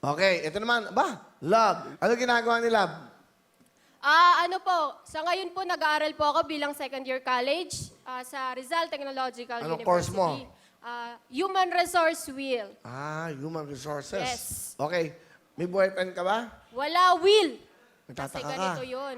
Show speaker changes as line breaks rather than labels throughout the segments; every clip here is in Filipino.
Okay, ito naman. Love. Ano ginagawa ni Love?
Ano po, sa ngayon po nag-aaral po ako bilang second year college sa Rizal Technological
Anong
University.
course mo?
Human Resource Will.
Human resources.
Yes.
Okay. May boyfriend ka ba?
Wala will. Kasi
Nagtataka ka.
ganito yun.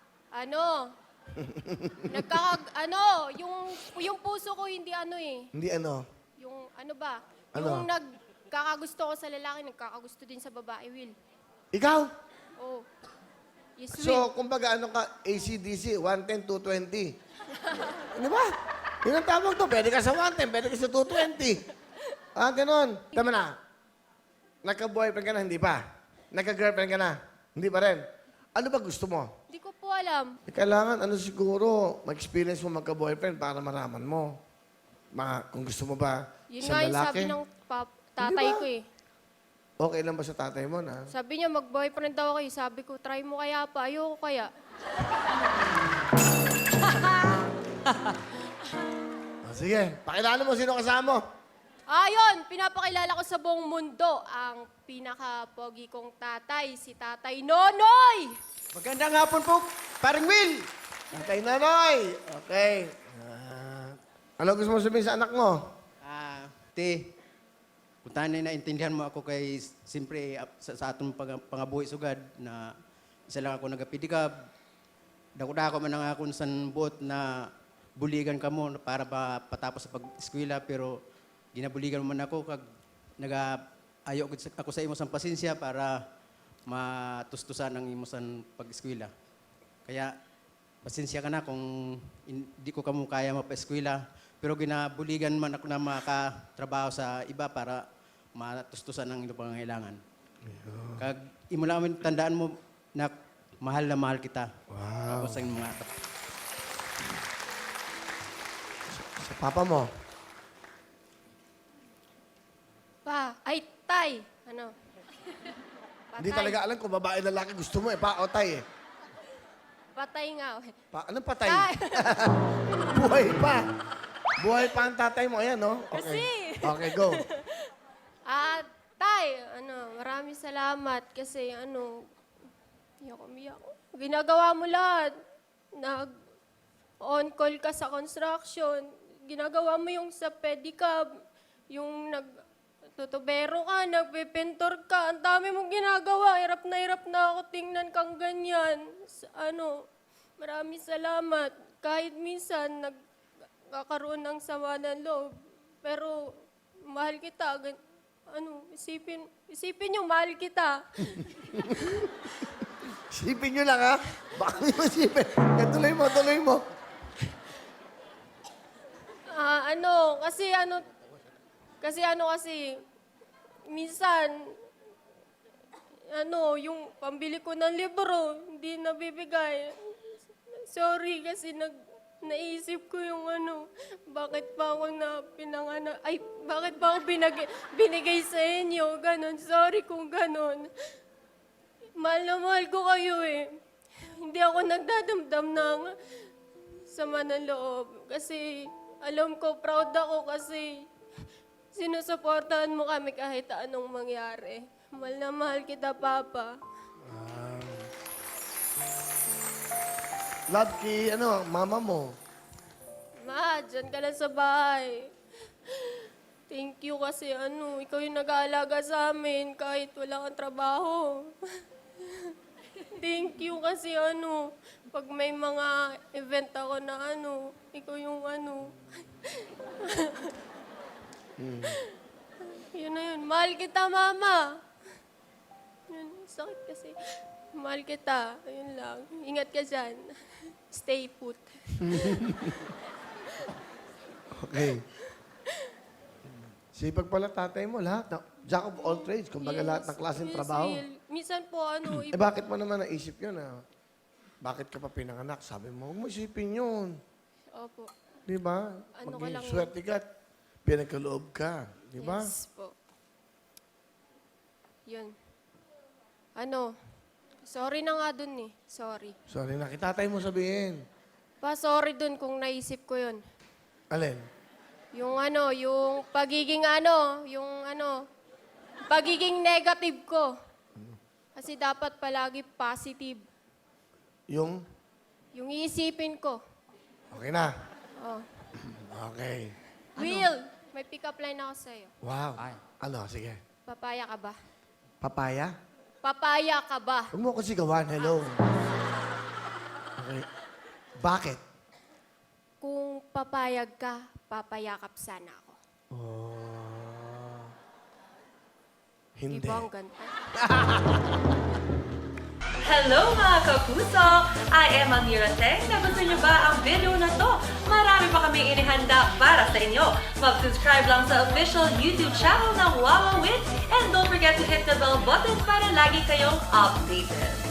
Yung puso ko hindi
Hindi ano?
Yung ano ba?
Ano?
Yung nagkakagusto ko sa lalaki, nagkakagusto din sa babae, will.
Ikaw?
Oh. Yes, will.
So, kumbaga ano ka, AC/DC, 110, 220. Di ba? Yun ang tawag to. Pwede ka sa 110, pwede ka sa 220. Ganon. Tama na. Nagka-boyfriend ka na, hindi pa. Nagka-girlfriend ka na, hindi pa rin. Ano ba gusto mo?
Hindi ko po alam.
Kailangan, siguro, mag-experience mo magka-boyfriend para maraman mo. Kung gusto mo ba
Yun
sa
nga yung
lalaki.
sabi ng tatay
Hindi ba?
ko eh.
Okay lang ba sa tatay mo na?
Sabi niya, mag-boyfriend daw kayo. Sabi ko, try mo kaya pa. Ayoko kaya.
Sige, pakilala mo sino kasama mo.
Ayun, pinapakilala ko sa buong mundo ang pinaka-pogi kong tatay, si Tatay Nonoy!
Magandang hapon po, paring Will.
Tatay Nonoy. Okay. Ano gusto mo sabihin sa anak mo?
Te, kung tanay naintindihan mo ako kay, siyempre, sa atong pangabuhi sugad, na isa lang ako nagapidikab, dako-dako man ang akong san buot na buligan ka mo para ba patapos sa pag-eskwela, pero ginabuligan mo man ako, kag nag-ayo ako sa imo sang pasensya para matustusan ang imo sang pag-eskwela. Kaya, pasensya ka na kung hindi ko kamo kaya mapa-eskwela, pero ginabuligan man ako na makatrabaho sa iba para matustusan ang iyong pangangailangan. Kag imo lang tandaan mo na mahal kita.
Wow.
Sa mga
Sa papa mo.
Tay! Ano?
Hindi talaga alam kung babae lalaki gusto mo pa o tay eh.
Patay nga.
Anong patay?
Tay!
Buhay pa. Buhay pa ang tatay mo. Ayan, no? Okay.
Kasi.
Okay, go.
Tay, maraming salamat kasi umiyak. Ginagawa mo lahat. Nag-on-call ka sa construction. Ginagawa mo yung sa pedicab. Yung tutubero ka, nagpipintor ka. Ang dami mong ginagawa. Hirap na ako tingnan kang ganyan. Maraming salamat. Kahit minsan, nagkakaroon ng sama ng loob. Pero, mahal kita. Isipin yung mahal kita.
Sipin nyo lang, ha? Baka nyo masipin. Tuloy mo.
Kasi minsan, yung pambili ko ng libro, hindi nabibigay. Sorry kasi naisip ko yung bakit pa ako bakit pa ako binigay sa inyo, ganon. Sorry kung ganon. Mahal na mahal ko kayo eh. Hindi ako nagdadamdam ng sama ng loob. Kasi alam ko, proud ako kasi sinusuportahan mo kami kahit anong mangyari. Mahal na mahal kita, Papa.
Love kay, mama mo.
Ma, dyan ka lang sa bahay. Thank you kasi ikaw yung nag-aalaga sa amin kahit wala kang trabaho. Thank you kasi pag may mga event ako na ikaw yung Yun na yun. Mahal kita, Mama. Yun, sakit kasi. Mahal kita. Ayun lang. Ingat ka dyan. Stay put.
Okay. Sipag pala tatay mo, lahat. Jack of all trades, kumbaga lahat ng klaseng
Yes,
trabaho.
Will. Minsan po,
Bakit mo naman naisip yun, Bakit ka pa pinanganak? Sabi mo, huwag mo isipin yun.
Opo.
Di ba?
Ano ka lang-
Swerte ka, pinagkaloob ka. Di ba?
Yes po. Yun. Sorry na nga dun eh. Sorry.
Sorry na, kitatay mo sabihin.
Sorry dun kung naisip ko yun.
Alin?
Yung yung pagiging pagiging negative ko. Kasi dapat palagi positive.
Yung?
Yung iisipin ko.
Okay na.
Oh.
Okay.
Will, may pick-up line ako sa'yo.
Wow. Ano? Sige.
Papaya ka ba?
Papaya?
Papaya ka ba?
Huwag mo ako sigawan. Hello. Okay. Bakit?
Kung papayag ka, papayakap sana ako.
Oh. Hindi.
Di ba ang ganda?
Hello mga kapuso! I am Amira Teng. Nagustuhan niyo ba ang video na to? Marami pa kami inihanda para sa inyo. Mag-subscribe lang sa official YouTube channel ng Wawa Wins and don't forget to hit the bell button para lagi kayong updated.